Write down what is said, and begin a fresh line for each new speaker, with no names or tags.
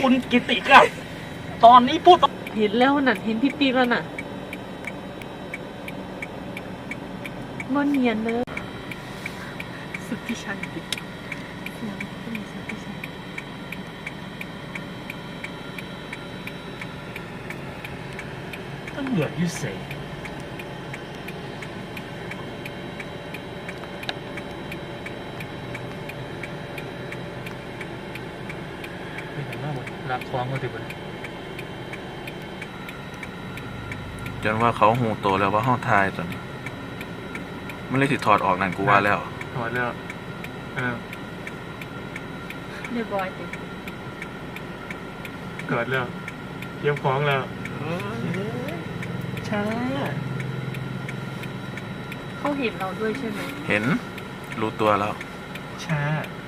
คุณกิติครับตอนนี้พูด
เห็นแล้วน่ะเห็นพี่ปีแล้วน่ะบนเนียนเลยสุดที่ชันดิสุดที่ชัน
ต้องเหลือยุ่เสเป็นอย่างมากรักคล้องก็ถือเป็น
จนว่าเขาหูโตแล้วว่าห้องทายตอนนี้มันเลยสิถอดออกนั่นกูว่าแล้ว
ถอดแล้ว
เรียบร้อยสิ
เกิดแล้วเตรียมของแล้วช้า
เขาเห็นเราด้วยใช่ไหม
เห็นรู้ตัวแล้ว
ช้า